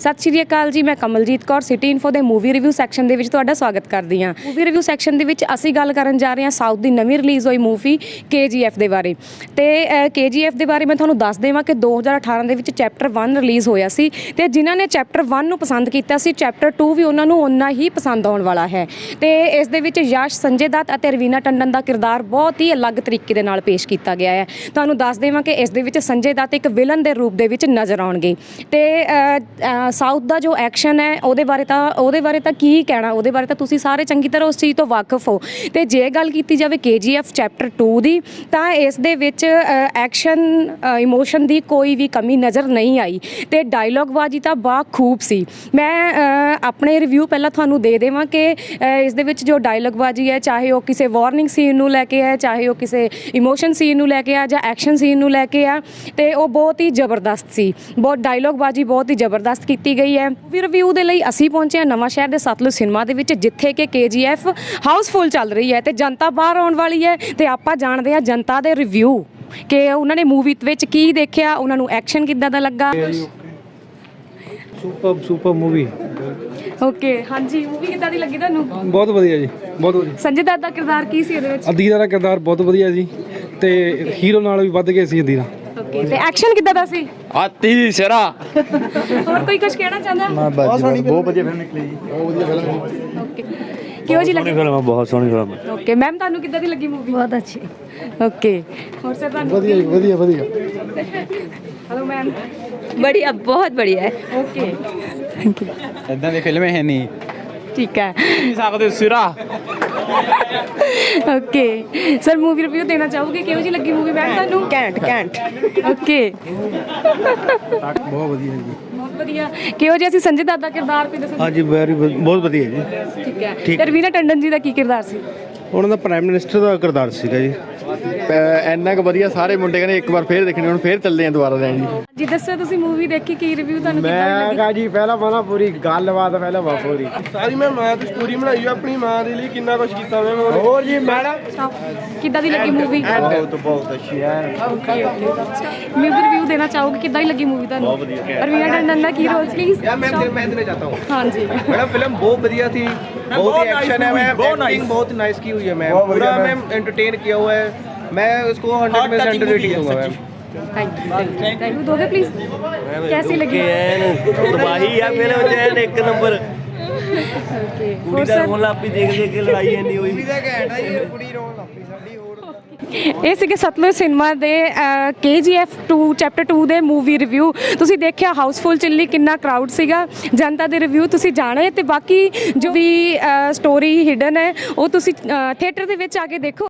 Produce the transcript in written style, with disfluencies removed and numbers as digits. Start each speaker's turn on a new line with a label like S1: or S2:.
S1: ਸਤਿ ਸ਼੍ਰੀ ਅਕਾਲ ਜੀ, ਮੈਂ Kamaljit Kaur city info ਦੇ ਮੂਵੀ ਰਿਵਿਊ ਸੈਕਸ਼ਨ ਦੇ ਵਿੱਚ ਤੁਹਾਡਾ ਸਵਾਗਤ ਕਰਦੀ ਹਾਂ। ਮੂਵੀ ਰਿਵਿਊ ਸੈਕਸ਼ਨ ਦੇ ਵਿੱਚ ਅਸੀਂ ਗੱਲ ਕਰਨ ਜਾ ਰਹੇ ਹਾਂ ਸਾਊਥ ਦੀ ਨਵੀਂ ਰਿਲੀਜ਼ ਹੋਈ ਮੂਵੀ KGF ਦੇ ਬਾਰੇ। ਤੇ KGF ਦੇ ਬਾਰੇ ਮੈਂ ਤੁਹਾਨੂੰ ਦੱਸ ਦੇਵਾਂ ਕਿ 2018 ਦੇ ਵਿੱਚ ਚੈਪਟਰ 1 ਰਿਲੀਜ਼ ਹੋਇਆ ਸੀ ਤੇ ਜਿਨ੍ਹਾਂ ਨੇ ਚੈਪਟਰ 1 ਨੂੰ ਪਸੰਦ ਕੀਤਾ ਸੀ ਚੈਪਟਰ 2 ਵੀ ਉਹਨਾਂ ਨੂੰ ਓਨਾ ਹੀ ਪਸੰਦ ਆਉਣ ਵਾਲਾ ਹੈ। ਤੇ ਇਸ ਦੇ ਵਿੱਚ ਯਸ਼, ਸੰਜੇ ਦੱਤ ਅਤੇ ਰਵੀਨਾ ਟੰਡਨ ਦਾ ਕਿਰਦਾਰ ਬਹੁਤ ਹੀ ਅਲੱਗ ਤਰੀਕੇ ਦੇ ਨਾਲ ਪੇਸ਼ ਕੀਤਾ ਗਿਆ ਹੈ। ਤੁਹਾਨੂੰ ਦੱਸ ਦੇਵਾਂ ਕਿ ਇਸ ਦੇ ਵਿੱਚ ਸੰਜੇ ਦੱਤ ਇੱਕ ਵਿਲਨ ਦੇ ਰੂਪ ਦੇ ਵਿੱਚ ਨਜ਼ਰ ਆਉਣਗੇ। ਤੇ ਸਾਊਥ ਦਾ ਜੋ ਐਕਸ਼ਨ ਹੈ ਉਹਦੇ ਬਾਰੇ ਤਾਂ ਕੀ ਕਹਿਣਾ, ਉਹਦੇ ਬਾਰੇ ਤਾਂ ਤੁਸੀਂ ਸਾਰੇ ਚੰਗੀ ਤਰ੍ਹਾਂ ਉਸ ਚੀਜ਼ ਤੋਂ ਵਾਕਿਫ ਹੋ। ਤੇ ਜੇ ਗੱਲ ਕੀਤੀ ਜਾਵੇ KGF ਚੈਪਟਰ 2 ਦੀ ਤਾਂ ਇਸ ਦੇ ਵਿੱਚ ਐਕਸ਼ਨ ਇਮੋਸ਼ਨ ਦੀ ਕੋਈ ਵੀ ਕਮੀ ਨਜ਼ਰ ਨਹੀਂ ਆਈ ਤੇ ਡਾਇਲੋਗਬਾਜ਼ੀ ਤਾਂ ਬਾਖੂਬ ਸੀ। ਮੈਂ ਆਪਣੇ ਰਿਵਿਊ ਪਹਿਲਾਂ ਤੁਹਾਨੂੰ ਦੇ ਦੇਵਾਂ ਕਿ ਇਸ ਦੇ ਵਿੱਚ ਜੋ ਡਾਇਲੋਗਬਾਜ਼ੀ ਹੈ, ਚਾਹੇ ਉਹ ਕਿਸੇ ਵਾਰਨਿੰਗ ਸੀਨ ਨੂੰ ਲੈ ਕੇ ਹੈ, ਚਾਹੇ ਉਹ ਕਿਸੇ ਇਮੋਸ਼ਨ ਸੀਨ ਨੂੰ ਲੈ ਕੇ ਆ ਜਾਂ ਐਕਸ਼ਨ ਸੀਨ ਨੂੰ ਲੈ ਕੇ ਆ, ਤੇ ਉਹ ਬਹੁਤ ਹੀ ਜ਼ਬਰਦਸਤ ਸੀ। ਬਹੁਤ ਡਾਇਲੋਗਬਾਜ਼ੀ ਬਹੁਤ ਹੀ ਜ਼ਬਰਦਸਤ ਕੀਤੀ ਗਈ ਹੈ। ਮੂਵੀ ਰਿਵਿਊ ਦੇ ਲਈ ਅਸੀਂ ਪਹੁੰਚੇ ਹਾਂ ਨਵਾਂ ਸ਼ਹਿਰ ਦੇ ਸਤਲੁਜ ਸਿਨੇਮਾ ਦੇ ਵਿੱਚ, ਜਿੱਥੇ ਕਿ KGF ਹਾਊਸਫੁੱਲ ਚੱਲ ਰਹੀ ਹੈ ਤੇ ਜਨਤਾ ਬਾਹਰ ਆਉਣ ਵਾਲੀ ਹੈ। ਤੇ ਆਪਾਂ ਜਾਣਦੇ ਹਾਂ ਜਨਤਾ ਦੇ ਰਿਵਿਊ ਕਿ ਉਹਨਾਂ ਨੇ ਮੂਵੀ ਵਿੱਚ ਕੀ ਦੇਖਿਆ, ਉਹਨਾਂ ਨੂੰ ਐਕਸ਼ਨ ਕਿੱਦਾਂ ਦਾ ਲੱਗਾ।
S2: Super movie.
S1: ਓਕੇ, ਹਾਂਜੀ, ਮੂਵੀ ਕਿੱਦਾਂ ਦੀ ਲੱਗੀ ਤੁਹਾਨੂੰ?
S2: ਬਹੁਤ ਵਧੀਆ ਜੀ, ਬਹੁਤ ਵਧੀਆ।
S1: ਸੰਜੇ ਦੱਤ ਦਾ ਕਿਰਦਾਰ ਕੀ ਸੀ ਇਹਦੇ ਵਿੱਚ?
S2: ਅਦੀਰਾ ਦਾ ਕਿਰਦਾਰ ਬਹੁਤ ਵਧੀਆ ਜੀ ਤੇ ਹੀਰੋ ਨਾਲ ਵੀ ਵੱਧ ਗਏ ਸੀ ਅਦੀਰਾ।
S1: ਓਕੇ, ਤੇ ਐਕਸ਼ਨ ਕਿੱਦਾਂ ਦਾ ਸੀ?
S3: ਆਤੀ ਸਿਰਾ।
S1: ਹੋਰ ਕੋਈ ਕੁਝ ਕਹਿਣਾ ਚਾਹੁੰਦਾ?
S2: ਬਹੁਤ ਵਧੀਆ ਫਿਲਮ ਨਿਕਲੀ ਜੀ, ਬਹੁਤ ਵਧੀਆ ਫਿਲਮ।
S1: ਓਕੇ, ਕਿਹੋ ਜਿਹੀ ਲੱਗੀ
S3: ਫਿਲਮ? ਬਹੁਤ ਸੋਹਣੀ ਫਿਲਮ।
S1: ਓਕੇ ਮੈਮ, ਤੁਹਾਨੂੰ ਕਿੱਦਾਂ ਦੀ ਲੱਗੀ ਮੂਵੀ?
S4: बहुत अच्छी।
S1: ਓਕੇ, ਹੋਰ ਸਰ ਤੁਹਾਨੂੰ?
S2: ਵਧੀਆ ਜੀ, ਵਧੀਆ ਵਧੀਆ।
S1: Hello ma'am.
S4: बढ़िया, बहुत बढ़िया है।
S1: Okay, thank you.
S3: ਇਦਾਂ ਦੀ ਫਿਲਮ ਹੈ ਨਹੀਂ।
S1: ਠੀਕ ਹੈ,
S3: ਨਹੀਂ ਸਕਦੇ ਸਿਰਾ।
S1: ਓਕੇ ਸਰ, ਮੂਵੀ ਰਿਵਿਊ ਦੇਣਾ ਚਾਹੋਗੇ? ਕਿਹੋ ਜਿਹੀ ਲੱਗੀ ਮੂਵੀ ਮੈਮ ਤੁਹਾਨੂੰ?
S4: कैंट
S1: ਓਕੇ,
S2: ਬਹੁਤ ਵਧੀਆ ਜੀ।
S1: ਬਹੁਤ ਵਧੀਆ। ਕਿਹੋ ਜਿਹਾ ਸੀ ਸੰਜੇ ਦੱਤ ਦਾ ਕਿਰਦਾਰ, ਕੋਈ ਦੱਸੋ?
S2: ਹਾਂਜੀ, ਬਹੁਤ ਵਧੀਆ ਜੀ।
S1: ਠੀਕ ਹੈ, ਤੇ ਰਵੀਨਾ ਟੰਡਨ ਜੀ ਦਾ ਕੀ ਕਿਰਦਾਰ ਸੀ?
S2: ਉਹਨਾਂ ਦਾ ਪ੍ਰਾਈਮ ਮਿਨਿਸਟਰ ਦਾ ਕਿਰਦਾਰ ਸੀਗਾ ਜੀ। ਇੰਨਾ ਕੁ ਵਧੀਆ, ਸਾਰੇ ਮੁੰਡੇ ਕਹਿੰਦੇ ਇੱਕ ਵਾਰ ਫੇਰ ਦੇਖਣੀ, ਹੁਣ ਫੇਰ ਚੱਲਦੇ ਆ ਦੁਬਾਰਾ ਲੈਣ ਜੀ।
S1: ਜੀ ਦੱਸੋ, ਤੁਸੀਂ ਮੂਵੀ ਦੇਖੀ, ਕੀ ਰਿਵਿਊ ਤੁਹਾਨੂੰ ਕਿੱਦਾਂ ਦੀ ਲੱਗੀ?
S2: ਕਹਾ ਜੀ ਪਹਿਲਾਂ ਮਾਨਾ ਪੂਰੀ ਗੱਲਬਾਤ ਪਹਿਲਾਂ ਪੂਰੀ
S5: ਸਾਰੀ ਮੈਂ ਮਾਂ ਦੀ ਸਟੋਰੀ ਬਣਾਈ ਆਪਣੀ ਮਾਂ ਦੇ ਲਈ, ਕਿੰਨਾ ਕੁਝ ਕੀਤਾ ਮੈਂ
S2: ਹੋਰ ਜੀ ਮੈਡਮ।
S1: ਕਿੱਦਾਂ ਦੀ ਲੱਗੀ ਮੂਵੀ?
S2: ਬਹੁਤ ਅੱਛੀ ਹੈ।
S1: ਮੂਵੀ ਰਿਵਿਊ ਦੇਣਾ ਚਾਹੋਗੇ? ਕਿੱਦਾਂ ਦੀ ਲੱਗੀ ਮੂਵੀ ਤੁਹਾਨੂੰ? ਰਵੀਨਾ ਟੰਡਨ ਦਾ ਕੀ ਰੋਲ ਪਲੀਜ਼?
S5: यार मैं देना चाहता हूँ।
S1: हाँ जी
S5: मैडम फिल्म बहुत बढ़िया थी, बहुत ही एक्शन है, मैं एक्टिंग बहुत नाइस की हुई है, मैं पूरा मैं एंटरटेन किया हुआ है, मैं इसको 100% रेटिंग दूंगा मैम।
S1: थैंक यू दोगे प्लीज? कैसी लगी?
S3: ਤਬਾਹੀ ਆ ਫਿਲਮ ਚ ਇੱਕ ਨੰਬਰ।
S1: ओके,
S3: ਕੁੜੀ
S1: और
S3: ਦਾ
S1: सर?
S3: ਰੋਣ ਲੱਪੀ ਦੇਖ ਕੇ ਲੜਾਈ ਇੰਨੀ ਹੋਈ।
S1: ਇਹ ਸੀਗੇ ਸਤਲੁਜ ਸਿਨੇਮਾ ਦੇ KGF 2 ਚੈਪਟਰ 2 ਦੇ ਮੂਵੀ ਰਿਵਿਊ। ਤੁਸੀਂ ਦੇਖਿਆ ਹਾਊਸਫੁੱਲ ਚੱਲੀ, ਕਿੰਨਾ ਕਰਾਊਡ ਸੀਗਾ। ਜਨਤਾ ਦੇ ਰਿਵਿਊ ਤੁਸੀਂ ਜਾਣੇ ਤੇ ਬਾਕੀ ਜੋ ਵੀ ਸਟੋਰੀ ਹਿਡਨ ਹੈ ਉਹ ਤੁਸੀਂ ਥੀਏਟਰ ਦੇ ਵਿੱਚ ਆ ਕੇ ਦੇਖੋ।